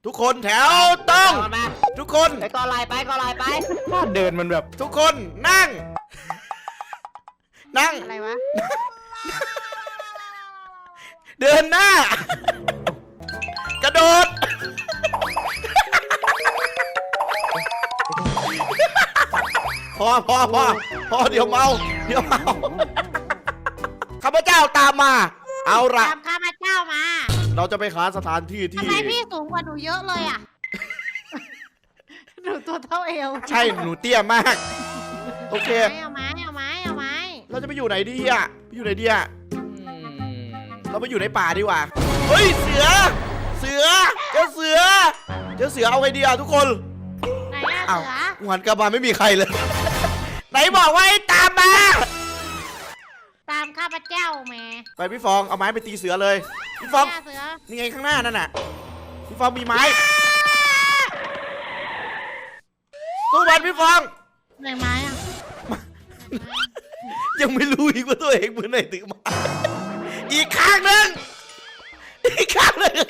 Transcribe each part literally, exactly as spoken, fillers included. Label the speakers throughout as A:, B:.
A: ทุกคนแถวต้องทุกคน
B: ไปก่อนลายไปก่อนลายไป
C: ถ้าเดินมันแบบ
A: ทุกคนนั่ง นั่ง
D: อะไรวะ
A: เดินหน้า กระโดด พอพอพอพอเดี๋ยวเมาเดี๋ยวเมาข้าพเจ้าตามมา เอาละ
D: ตามข้าพเจ้ามา
A: เราจะไปหาสถานที่
D: ทำ
A: ที่
D: ไมพี่สูงกว่าหนูเยอะเลยอ่ะ หนูตัวเท่าเอว
A: ใช่หนูเตี้ยมาก โอเค
D: เอาไม้เอาไม้เอาไม้
A: เราจะไปอยู่ไหนดีอ่ะไปอยู่ไหนดีอ่ะเราไปอยู่ในป่าดีกว่าเฮ้ยเสือ เสือเจ้าเสือเจ้าเสือเอาไงดีอ่ะทุกคน
D: ไหนอะ
A: อ้าว
D: เสือ
A: หันกลับมาไม่มีใครเลย ไหนบอกว่าให้ตามมา
D: ตามข้าพเจ้าแม่
A: ไปพี่ฟองเอาไม้ไปตีเสือเลยพี่ฟอง
D: เสือ
A: นี่ไงข้างหน้านั่นน่ะพี่ฟองมีไม้ตู้บอลพี่ฟอง
D: ไหนไม้อะ
A: ยังไม่รู้อีกว่าตัวเองมือไหนถึงมาอีกข้างหนึ่งอีกข้างหนึ่ง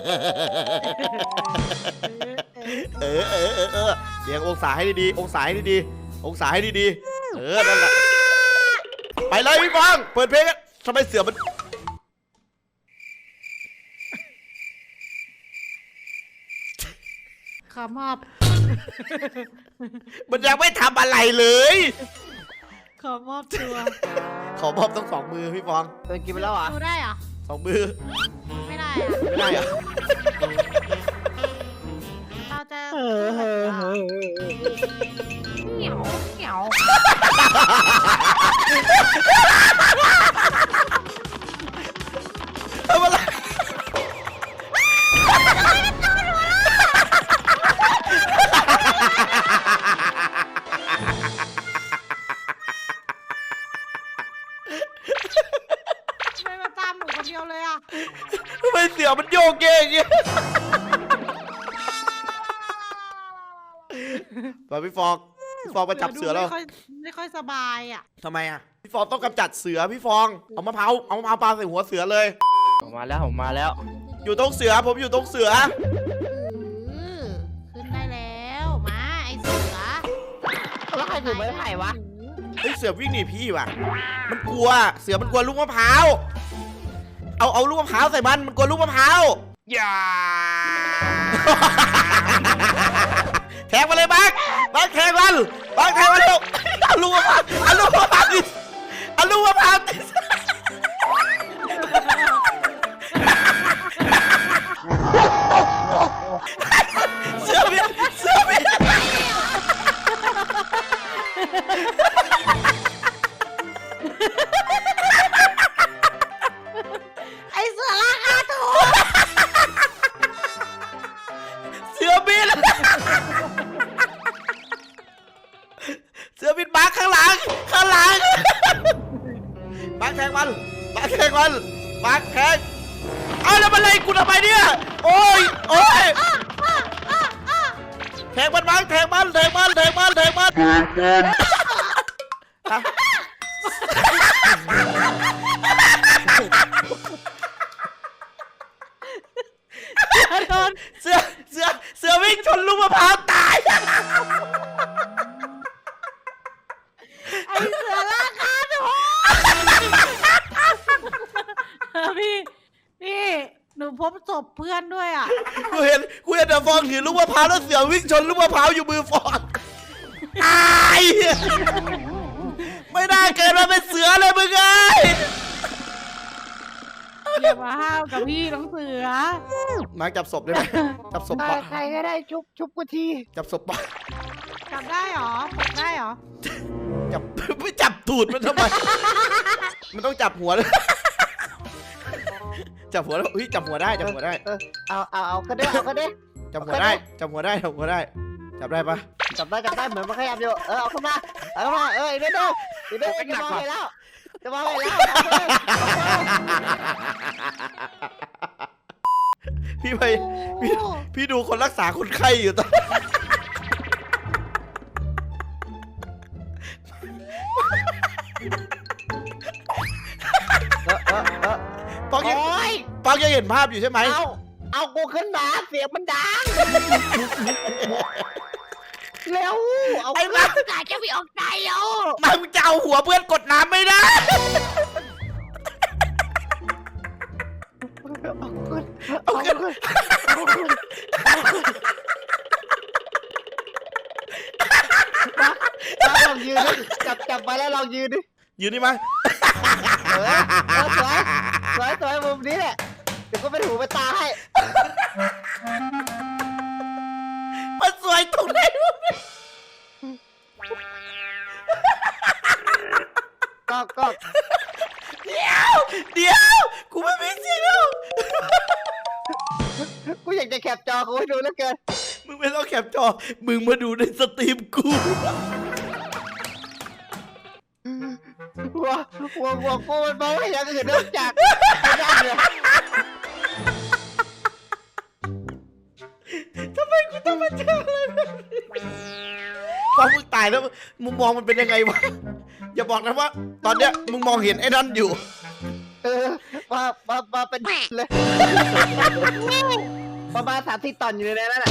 A: เออเออเออเออเรียงองศาให้ดีๆองศาให้ดีๆองศาให้ดีๆเออนั่นแหละไปเลยพี่ฟองเปิดเพลงทำไมเสือมัน
D: ขอมอบ
A: มันยังไม่ทำอะไรเลย
D: ขอมอบตัว
A: ขอมอบต้องสองมือพี่ฟอง
B: เดินกินไปแล้วเหรอ
D: ดูได้เหรอ
A: สองมือ
D: ไม่ได้อะ
A: ไม่ได้อะ
D: เราจะ
C: เออเออเออ
D: เหนียวเหนียว
A: ทำอะไร
D: ทำไมมาตามหนูคนเดียวเลยอ่ะ
A: ทำไมเสือมันโยกเยกอย่างเงี้ยไปพี่ฟองพี่ฟองมาจับเสือแล้ว
D: ไม่ค่อยไม่ค่อยสบายอ่ะ
A: ทำไมอ่ะพี่ฟองต้องกำจัดเสือพี่ฟองเอามะพร้าวเอามะพร้าวปาใส่หัวเสือเลย
C: ผมมาแล้วผมมาแล้ว
A: อยู่ตรงเสือผมอยู่ตรงเสือ
D: เออขึ้นได้แล้วมาไอเสือ
B: แล้วใครถือไม้ไผ่วะ
A: เฮ้ยเสือวิ่งหนีพี่ว่ะมันกลัวเสือมันกลัวลูกมะพร้าวเอาเอาลูกมะพร้าวใส่มันมันกลัวลูกมะพร้าวอย่า แทงมาเลยบักบักแทงมันบักแทงมันลูกเอาลูกมะพร้าวเอาลูกมะพร้าวดิเอาลูกมะพร้าวดิเสือบินเสือบิน
D: ไอเสือราคาถูก
A: เสือบินเสือบินบักข้างหลังข้างหลังบักแทงมันบักแทงมันบักแทงเอาแล้วมันไล่กูทำไมเนี่ยโอ้ยโอ้ยแทงมันบักแทงมันแทงมันแทงมันแทงมันฮะเสือเสือเสือวิ่งชนลูกมะพร้าวตาย
D: ไอเสือราคาถูกพี่พี่หนูพบศพเพื่อนด้วยอ่ะ
A: กูเห็นกูเห็นแต่ฟองถือลูกมะพร้าวแล้วเสือวิ่งชนลูกมะพร้าวอยู่มือฟองตายไม่ได้เกิดมาเป็นเสือเลยมึงไง
D: อย่ามาห้าวกับพี่น้องเสือ
A: มาจับศพได้ไหมจับศพปะ
B: ใครก็ได้ชุบชุบกูที
A: จับศพปะ
D: จับได้หรอจับได้หรอ
A: จับไม่จับตูดมันทำไมมันต้องจับหัวเลยจับหัวแล้วเฮ้ยจับหัวได้จับหัวได้
B: เออเอาเอาเอาก็ได้เอาก็ได้
A: จับหัวได้จับหัวได้จับหัวได้จับได้ปะ
B: จับได้จับได้เหมือนมันขยับอยู่เออเอาขึ้นมาเอาขึ้นมาเอออีกนิดเดียวอีกนิดเดียวจะมองไปแล้วจะมองไปแล้ว
A: พี่ไปพี่พี่ดูคนรักษาคนไข้อยู่ตอนปองยังปองยังเห็นภาพอยู่ใช่ไหม
B: เอาเอากูขึ้นมาเสียงมันดังเร็วเอา
A: ไอ้มา
B: จ่ายแค่พี่ออกใจเอา
A: มามึงจะเอาหัวเพื่อนกดน้ำไม่ได้
B: เอาขึ้นเอาขึ้นมาลองยืนดิจับจับไปแล้วลองยืนดิ
A: ยืนนี่มา
B: เออเออสวยสวยสวยมุมนี้แหละเดี๋ยวก็เป็นหูเป็นตาให้
A: มันสวยตรงไหนวะ
B: ก็ก็
A: เดี๋ยวเดี๋ยวกูไม่มีสิทธิ์แล้ว
B: กูอยากจะแคปจอกูให้ดูแล้วเกิน
A: มึงไม่ต้องแคปจอมึงมาดูในสตรีมกู
B: หัวหัวหัวกูมันมองไม่เห็นอย่างอื่นนอกจากไม่ได้เลย
A: ทำไมกูต้องมาเจออะไรแบบนี้พอมึงตายแล้วมุมมองมันเป็นยังไงวะอย่าบอกนะว่า ตอนเนี้ยมึงมองเห็นไอ้นั่นอยู่
B: เออมามามาเป็นเลยประมาณสามสี่ตอนอยู่ในนั้นแหละ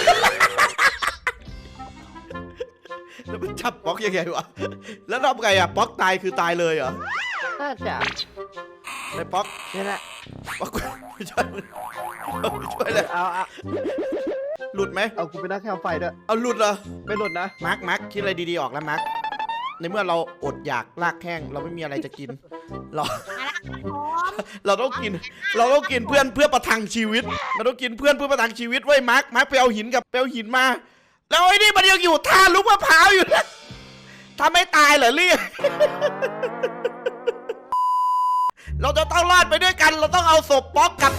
A: แล้วมันจับป๊อกยังไงวะแล้วทำไงอ่ะป๊อกตายคือตายเลยเหรอ
B: น่าจะ
A: ไอ้ป๊อก
B: นี่แหละ
A: ป๊อกไม่ช่วยมึงไม่ช่วยเลย
B: เอาเอา
A: หลุดไหม
B: เอากูไปนั่งแคมไฟด้วย
A: เอาหลุดเหรอ
B: ไม่หลุดนะ
A: มาร์คมาร์คคิดอะไรดีๆออกแล้วมาร์คในเมื่อเราอดอยากลากแข้งเราไม่มีอะไรจะกิน เรา เราต้องกิน เราต้องกินเพื่อนเพื่อประทังชีวิตเราต้องกินเพื่อนเพื่อประทังชีวิตไว้ยมาร์คมาร์คไปเอาหินกับไปเอาหินมา แล้วไอ้นี่มันยังอยู่ท่าลุกมะพร้าวอยู่นะทำไม่ตายเหรอเรียก เราจะต้องรอดไปด้วยกัน เราต้องเอาศพป๊อกกลับ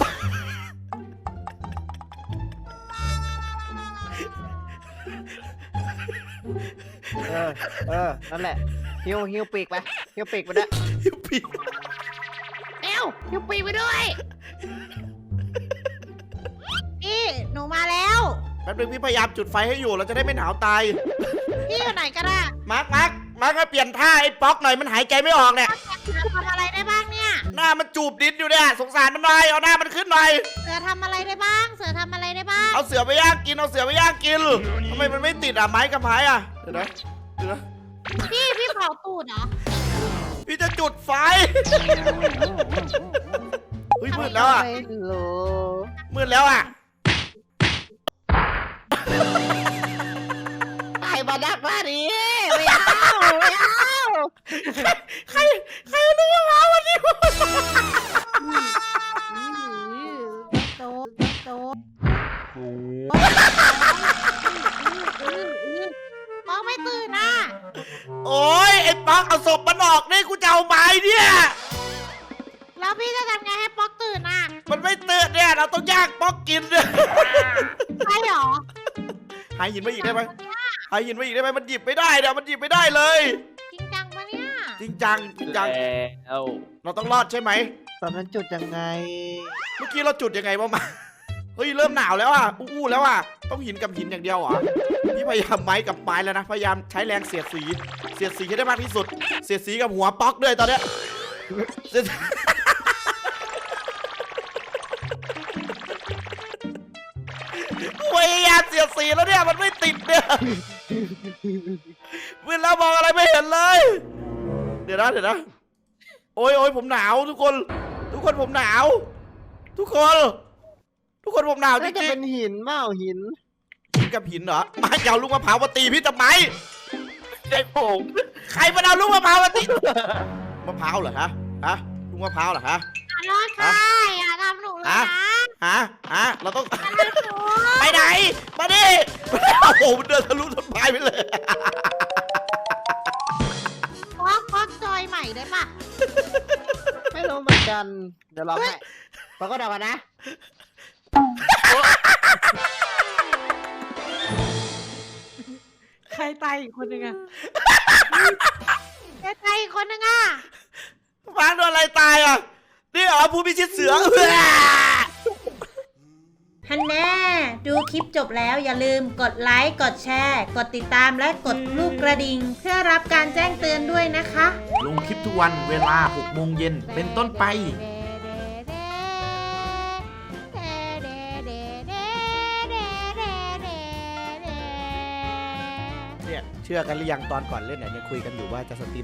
B: เออเออนั่นแหละฮิวฮิวปีกไปฮิวปีกไปด้วย
A: พี่
D: เอ้วยูปีไปด้วยพี่หนูมาแล้ว
A: แป๊บนึงพี่พยายามจุดไฟให้อยู่เราจะได้ไม่หนาวตาย
D: พี่อยู่ไหนกันอะ
A: มาร์คมาร์คมาร์คมาเปลี่ยนท่าไอ้ป๊อกหน่อยมันหายใจไม่ออกเนี่ย
D: ทำอะไรได้บ้างเนี่ย
A: หน้ามันจูบดินอยู่เนี่ยสงสารมันหน่อยเอาหน้ามันขึ้นหน่อย
D: เสือทำอะไรได้บ้าง เสือทำอะไรได้บ้าง
A: เอาเสือไปย่างกินเอาเสือไปย่างกินทำไมมันไม่ติดอ่ะไม้กับไม้อ่ะเดี๋ยวนะเดี๋ยวนะ
D: พี่พี่เผาตูดเหรอ
A: พี่จะจุดไฟเฮ้ยมืดแล้วอ่ะ
B: ไม่รู้
A: มืดแล้วอ่ะ
B: ใครมาดักล่านี้ไม่เอาไม่เอา
A: ใครใครรู้ว่ามาวันนี้
D: โตโตมองไม่ตื่นนะ
A: โอ้ยไอ้ป๊อกเอาศพมันออกนี่กูจะเอาไม้เนี่ย
D: แล้วพี่จะทำไงให้ป๊อกตื่นน่ะ
A: มันไม่ตื่นเนี่ยเราต้องย่างป๊อกกินเนี่ย
D: ใช่หรอ
A: หาหินมาอีกได้ไหมหาหินมาอีกได้ไหมมันหยิบไม่ได้เดี๋ยวมันหยิบไม่ได้เลย
D: จริงจังปะเนี่ย
A: จริงจังจริงจัง
C: แล้ว
A: เราต้องรอดใช่ไหม
B: ตอนนั้นจุดยังไง
A: เมื่อกี้เราจุดยังไงบ้างมาเฮ้ยเริ่มหนาวแล้วอ่ะอู้ๆแล้วอ่ะต้องหินกับหินอย่างเดียวเหรอพี่พยายามไม้กับไม้แล้วนะพยายามใช้แรงเสียดสีเสียดสีให้ได้มากที่สุด เสียดสีกับหัวป๊อกด้วยตอนเนี้ยเสียดพยายามเสียดสีแล้วเนี่ยมันไม่ติดเนี่ยเวลามองอะไรไม่เห็นเลย เดี๋ยวนะเดี๋ยวนะโอ้ยโอ้ยผมหนาวทุกคน ทุกคนผมหนาว ทุกคน ทุกคนผมหนาวจ
B: น่าจะ
A: ริง
B: เป็นหินเปล่าหิน
A: ๆหินกับหินเหรอมาจะเอาลูกมะพร้าวมาตีพี่ทำไม
C: ไอ้ผม
A: ใครมาเอาลูกมะพร้าวมาตีมะพร้าวเหรอฮะฮะลูกมะพร้าวเหรอฮะ
D: รอดค่ะอย่าทำหนูเลยนะ
A: ฮะฮะเราต้อง
D: อย่าทำหนู
A: ไปไหนมาดิโอ้โหมันเดินทะลุต้นไม้ไปเลย
D: ป๊อกป๊อกจอยใหม่ได้ปะ
B: ไม่รู้เหมือนกันเดี๋ยวลองให้ปรากฏออกมานะ
D: ใครตายอีกคนนึงอะใครตายอีกคนนึงอะ
A: ฟังโดนอะไรตายอ่ะนี่เหรอผู้พิชิตเสือ
E: ฮันแน่ดูคลิปจบแล้วอย่าลืมกดไลค์ กดแชร์ กดติดตามและกดรูปกระดิ่งเพื่อรับการแจ้งเตือนด้วยนะคะ
A: ลงคลิปทุกวันเวลาหกโมงเย็นเป็นต้นไป
D: เดเดเดเดเด
A: เนี่ยเชื่อกันหรือยังตอนก่อนเล่นเนี่ยยังคุยกันอยู่ว่าจะสตรีม